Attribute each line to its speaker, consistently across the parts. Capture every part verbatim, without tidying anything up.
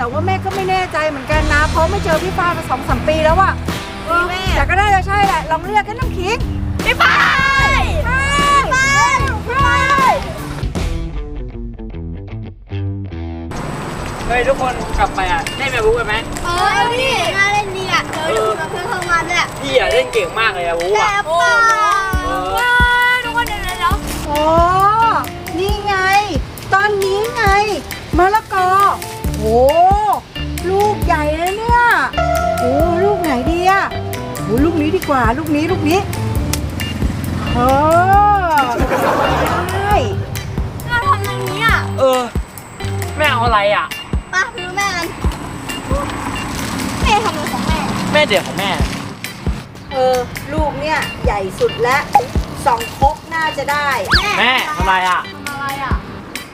Speaker 1: แต่ว่าแม่ก็ไม่แน่ใจเหมือนกันนะเพราะไม่เจอพี่ฝ้ายมาสองสามปีแล้วอะแม่แต่ก็น่าจะใช่แหละลองเรียกกันน้ำขิงพี่ฝ้ายพี่ฝ้ายพี่ฝ้าย
Speaker 2: เฮ้ยทุกคนกลับไปอ่ะเล่นแบบบุ๊กกันไหม
Speaker 3: เออพี่น่าเล่นดีอ่ะเออเพื่อนทำงานด้วย
Speaker 2: พี่อ่ะเล่นเก่งมากเลยอะบุ๊กอ่ะ
Speaker 3: โอ้ทุกคนเดี๋ยวเดี๋ยว
Speaker 1: โอ้นี่ไงตอนนี้ไงมะละกอโอ้ลูกใหญ่เลยเนี่ยโอ้ลูกไหนดีอะโอ้ลูกนี้ดีกว่าลูกนี้ลูกนี้เออใช่
Speaker 3: เราทำอย่างนี้อ่ะ
Speaker 2: เออแม่เอาอะไรอ่ะ
Speaker 3: ป้าดูแม่กันแม่ทำอะไรของแม่
Speaker 2: แม่เด็กของแม่
Speaker 1: เออลูกเนี่ยใหญ่สุดและสองครกน่าจะได้
Speaker 2: แม่ทำอะไรอ่ะ
Speaker 3: ทำอะไรอ่ะ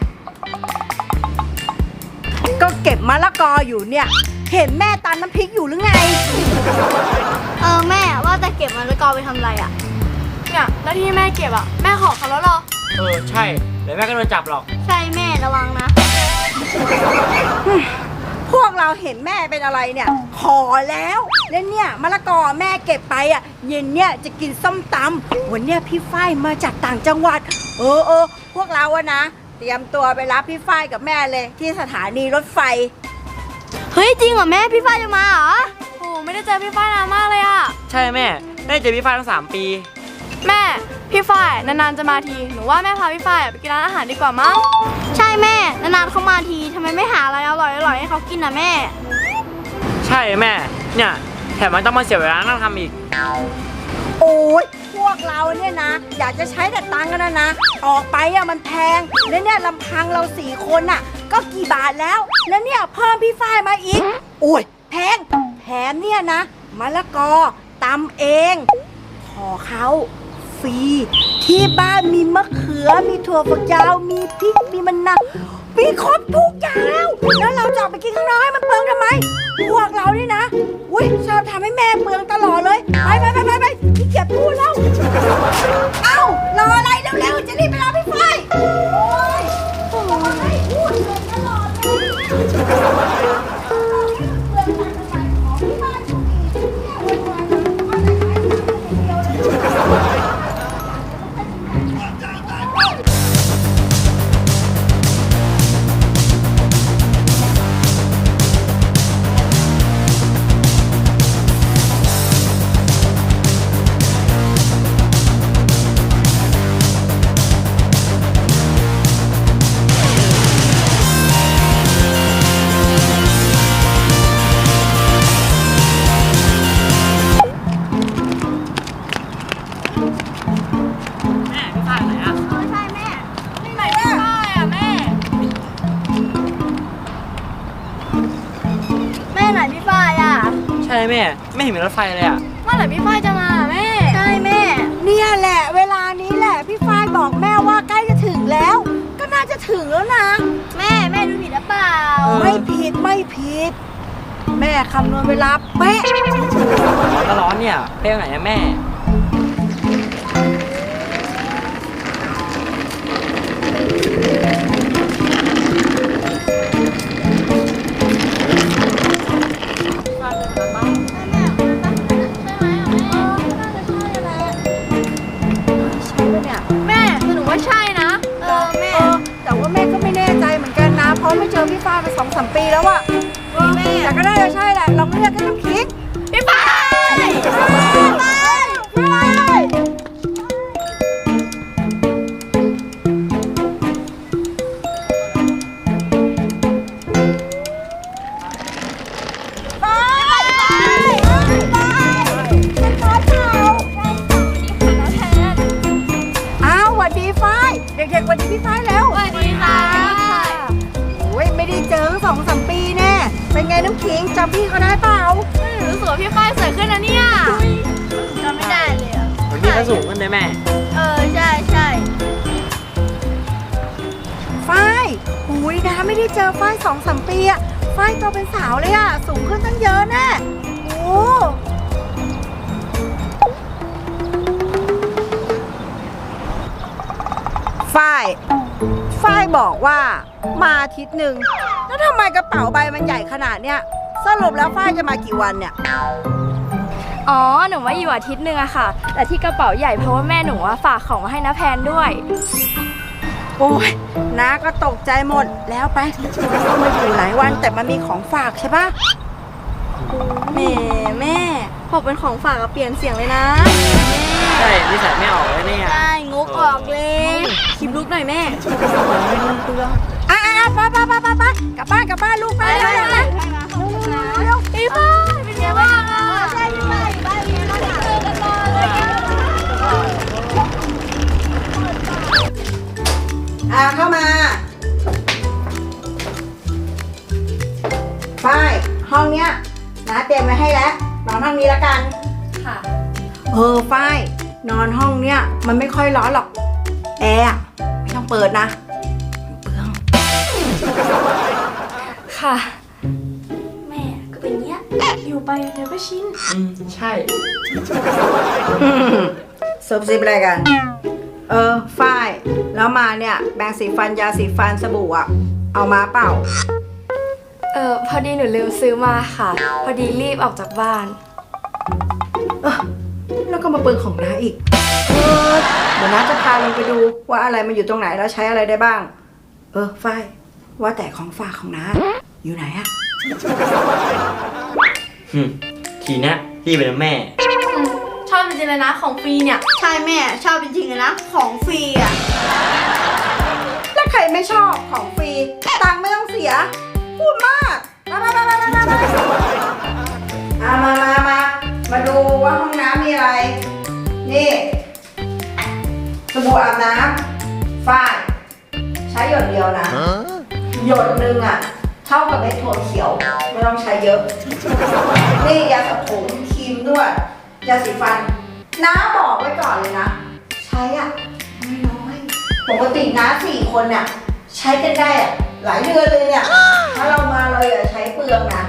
Speaker 1: ก็เก็บมะละกออยู่เนี่ยเห็นแม่ตำน้ำพริกอยู่หรือไง
Speaker 3: เออแม่ว่าจะเก็บมะละกอไปทำอะไรอ่ะเนี่ยแล้วที่แม่เก็บอ่ะแม่ขอเขาแล้วหรอ
Speaker 2: เออใช่เดี๋ยวแม่ก็โดนจับหรอก
Speaker 3: ใช่แม่ระวังนะ
Speaker 1: พวกเราเห็นแม่เป็นอะไรเนี่ยขอแล้วแล้วเนี่ยมะละกอแม่เก็บไปอ่ะเย็นเนี่ยจะกินส้มตำวันเนี้ยพี่ฝ้ายมาจากต่างจังหวัดเออเออพวกเราอะนะเตรียมตัวไปรับพี่ฝ้ายกับแม่เลยที่สถานีรถไฟ
Speaker 3: เฮ้ยจริงเหรอแม่พี่ฝ้ายจะมาเหรอโอ้ไม่ได้เจอพี่ฝ้ายนานมากเลยอะ
Speaker 2: ใช่แม่ไม่ได้เจอพี่ฝ้ายตั้งสามปี
Speaker 3: แม่พี่ฝ้ายนานๆจะมาทีหนูว่าแม่พาพี่ฝ้ายไปกินร้านอาหารดีกว่ามั้งใช่แม่นานๆเขามาทีทำไมไม่หาอะไรอร่อยๆให้เขากินนะแม่
Speaker 2: ใช่แม่เนี่ยแถมมันต้องมาเสียเวลานั่งทำอีก
Speaker 1: โอ้ยพวกเราเนี่ยนะอยากจะใช้แต่ตังค์กันนะนะออกไปอะมันแพงแล้วเนี่ยลำพังเราสี่คนอะก็กี่บาทแล้วแล้วเนี่ยเพิ่มพี่ฝ้ายมาอีกโอ้ยแพงแถมเนี่ยนะมะละกอตำเองขอเขาฟรีที่บ้านมีมะเขือมีถั่วฝักยาวมีพริกมีมะนาวมีครบทุกอย่างแล้วแล้วเราจะออกไปกินข้างนอกให้มันเปลืองทำไมพวกเรานี่นะอุ้ยชอบทำให้แม่เปลืองตลอดเลยไปไปไปไปไปขี้เกียจพูดแล้วเอ้ารออะไรเร็วๆจะรีบไปรอพี่ฝ้ายโอ้ยโอ้ยพูดเลยตลอดเลย
Speaker 2: ใช่แม่ไม่เห็นมีรถไฟเลยอ่ะ
Speaker 3: เมื่อไหร่พี่ฝ้ายจะมาแม่ใช่แม่
Speaker 1: เนี่ยแหละเวลานี้แหละพี่ฝ้ายบอกแม่ว่าใกล้จะถึงแล้วก็น่าจะถึงแล้วนะ
Speaker 3: แม่แม่ดูผิดหรือเปล่า
Speaker 1: ไม่ผิดไม่ผิดแม่คำนวณเวลาเป๊ะ
Speaker 2: ร้อนก็ร้อนเนี่ยเป๊ะไหนนะแม่
Speaker 1: เพราะไม่เจอพี่ฝ้ายมาสองสามปีแล้วอะแต่ก็น่าจะใช่แหละลองเรียกกันน้ำขิง
Speaker 3: พี่ฝ้ายพี่ฝ้ายพี่ฝ้าย
Speaker 1: อ้าวสวัสดีฝ้ายเด็กๆสวัสดีพี่ฝ้ายแล้ว
Speaker 3: สวัสดีค่ะ
Speaker 1: ไม่ได้เจอสองสามปีแน่เป็นไงน้ำขิงจำพี่เขาได้เปล่า
Speaker 3: รู้สึกว่าพี่ฝ้ายสวยขึ้นนะเนี่ยจำไม่ได้เลยอ่ะ
Speaker 2: พี่ก็สูงขึ้นเลยแม่
Speaker 3: เออใช่ใช่
Speaker 1: ฝ้ายหุยนะไม่ได้เจอฝ้ายสองสามปีอะฝ้ายโตเป็นสาวเลยอะสูงขึ้นตั้งเยอะแน่โอ้ฝ้ายฝ้ายบอกว่ามาอาทิตย์หนึ่งแล้วทำไมกระเป๋าใบมันใหญ่ขนาดเนี้ยสรุปแล้วฝ้ายจะมากี่วันเนี่ย
Speaker 3: อ๋อ หนูมาอยู่อาทิตย์หนึ่งอะค่ะ แต่ที่กระเป๋าใหญ่เพราะว่าแม่หนูอะฝากของมาให้น้าแพนด้วย
Speaker 1: โอ้ยน้าก็ตกใจหมดแล้วไปก็มาอยู่หลายวันแต่มันมีของฝากใช่ปะ
Speaker 3: แม่แม่พอเป็นของฝากก็เปลี่ยนเสียงเลยนะ
Speaker 2: ใช่นิสัยไม่ออกเลยเนี่ย
Speaker 3: ใช่งกออกเลยคลิปลุกหน่อยแม่
Speaker 1: อ่ะอ่ะไปไปไปไปไปกลับบ้านกลับบ้านลูกไปเร็วเร็วเร็ว
Speaker 3: พี่ฝ้ายเป็นไงบ้างอะใช่พี่ฝ้ายบ้านนี้เราเจอกันมาเลย
Speaker 1: อ่ะเข้ามาฝ้ายห้องเนี้ยน้าเตรียมไว้ให้แล้วนอนห้องนี้แล้วกัน
Speaker 3: ค่ะ
Speaker 1: เออฝ้ายนอนห้องเนี้ยมันไม่ค่อยร้อนหรอกแอร์อะไม่ต้องเปิดนะเปลือง
Speaker 3: ค่ะ แม่ก็เป็นเงี้ยอยู่ไปเดี๋ยวก็ชิน
Speaker 2: อืมใช่
Speaker 1: ซุบซิบอะไรกัน เออฝ้ายแล้วมาเนี่ยแบรงสีฟันยาสีฟันสบู่อะเอามาเปล่า
Speaker 3: เออพอดีหนูลืมซื้อมาค่ะ พอดีรีบออกจากบ้าน
Speaker 1: เออแล้วก็มาเปิงของน้าอีกเออเดี๋ยวน้าจะพาลงไปดูว่าอะไรมันอยู่ตรงไหนแล้วใช้อะไรได้บ้าง เออฝ้ายว่าแต่ของฝากของน้าอยู่ไหนอะ
Speaker 2: อืมทีเนี้ยพี่เป็นแม่
Speaker 3: ชอบจริงๆเลยนะของฟรีเนี่ย
Speaker 4: ใช่แม่ชอบจริงๆเลยนะ ของฟรีอ่ะ
Speaker 1: แล้วใครไม่ชอบของฟรีตังค์ไม่ต้องเสียพูดมากมามามามามามาอ่ะมามามามาดูว่าห้องน้ำมีอะไร นี่สบู่อาบน้ำฝ้ายใช้หยดเดียวนะ หยดหนึ่งอ่ะ เท่ากับเม็ดถั่วเขียว ไม่ต้องใช้เยอะ นี่ยาสระผมครีมนวดยาสีฟัน น้าบอกไว้ก่อนเลยนะ ใช้อ่ะไม่น้อยปกติน้าสี่คนเนี่ยใช้กันได้อะหลายเดือนเลยเนี่ย ถ้าเรามาเราอย่าใช้เปลืองนะ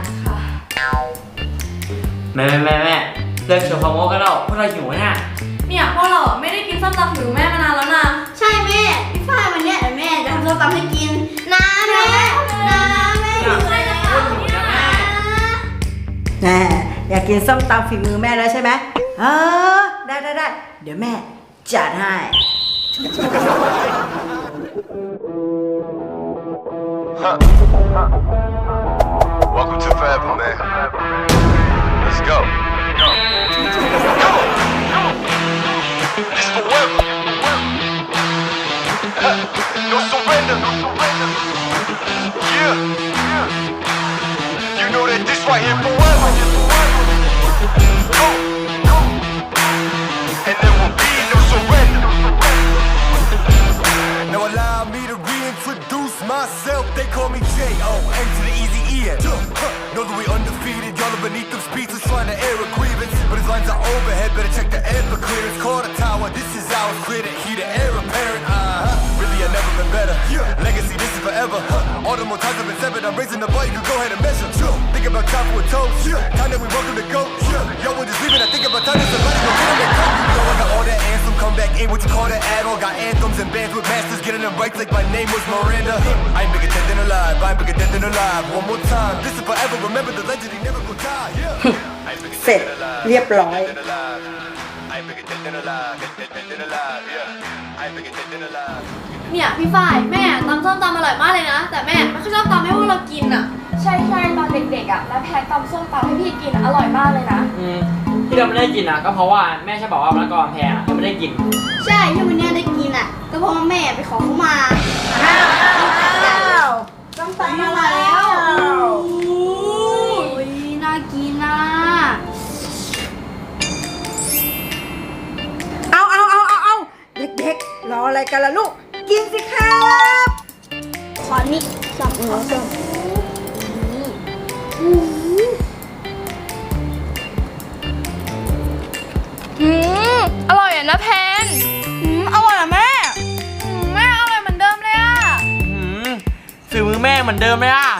Speaker 2: แม่แม่แม่แม่เลิกชวนความโม้กันแล้วพวกเราหิวเนี่ย
Speaker 3: เนี่ยพวกเราไม่ได้กินส้มตำหรือแม่มานานแล้วนะ
Speaker 4: ใช่แม่พี่ฝ้ายวันเนี้ยเดี๋ยวแม่จะทำส้มตำให้กินนะแม่นะแม่อยู่เลยนะ
Speaker 1: แน่อยากกินส้มตำฝีมือแม่แล้วใช่ไหมเออได้ได้ได้เดี๋ยวแม่จัดให้
Speaker 5: Welcome to Forever, man. Let's go. Come on, come on. It's forever. No surrender, no surrender. Yeah, yeah. You know that this right here forever. Go, go. And there will be no surrender. Now allow me to reintroduce myself. They call me J O N to the easy E N. Know that we undefeated. Y'all are beneath them speeches trying to air a grievance. But his lines are overhead. Better check the air for clearance. Call the tower. This is ours. Clear the heat. The air apparent. Uh-huh. Really, I've never been better. Legacy, this is forever. All the more times I've been severed. I'm raising the bar. You can go ahead and measure. Think about time for a toast. Time that we welcome to go. Yo, we're just leaving. I think about time that somebody go get them and come. You know I got all that anthem. Come back in. What you call that add-on? Got anthems and bands with masters. Getting them right like my name was Miranda. I ain't bigger dead than alive. I ain't bigger dead than alive. One more time. This is forever. Remember the legend. He never gonna die. Yeah. I ain't bigger
Speaker 1: เสร็จ
Speaker 5: dead than alive.
Speaker 1: เรียบร้อย
Speaker 5: Dead than alive. I ain't bigger dead than alive. Dead, dead, dead than alive. Yeah. I ain't bigger dead than alive.
Speaker 3: เนี่ยพี่ฝ้ายแม่ตำส้มตำอร่อยมากเลยนะ แต่แม่ไม่ค่อยชอบตำให้พวกเรากินอ่ะ ใช่ใช่ตอนเด็กๆอ่ะแล้วแพนตำส้มตำให้พี่กินอร่อยมากเลยนะ
Speaker 2: อืมที่เราไม่ได้กินอ่ะก็เพราะว่าแม่ใช่บอกว่ามะละกอแพงอ่ะเราไม่ได้กิน
Speaker 4: ใช่ที่วันเนี้ยได้กินอ่ะก็เพราะว่าแม่ไปขอเขามา
Speaker 1: อ้าวอ้าวต้องตำมาแล้ว
Speaker 3: อุ้ยน่ากินนะ
Speaker 1: เอาเอาเอาเอาเอาเด็กๆรออะไรกันล่ะลูก กินสิครับ
Speaker 4: ขอนี่สองหัวสอง
Speaker 3: อืมอร่อยอ่ะนะแพนอืมอร่อยอ่ะแม่อืมแม่อร่อยเหมือนเดิมเลยอ่ะ
Speaker 2: อืมฝีมือแม่เหมือนเดิมเลยอ่ะ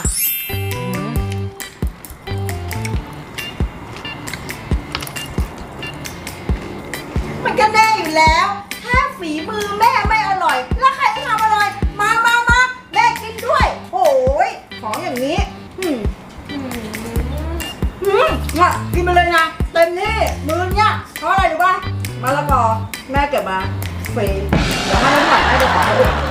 Speaker 1: มันก็แน่อยู่แล้ว ถ้าฝีมือแม่ไม่อร่อย แล้วใครจะทำอร่อย มามามาแม่กินด้วยอย่างนี้อืมอืมเนี่ยกินไปเลยนะเต็มที่มือเนี่ยเพราะอะไรรู้ป่ะมะละกอแม่เก็บมาฟรีเดี๋ยวให้น้ำหวานให้ไปขอให้ด้วย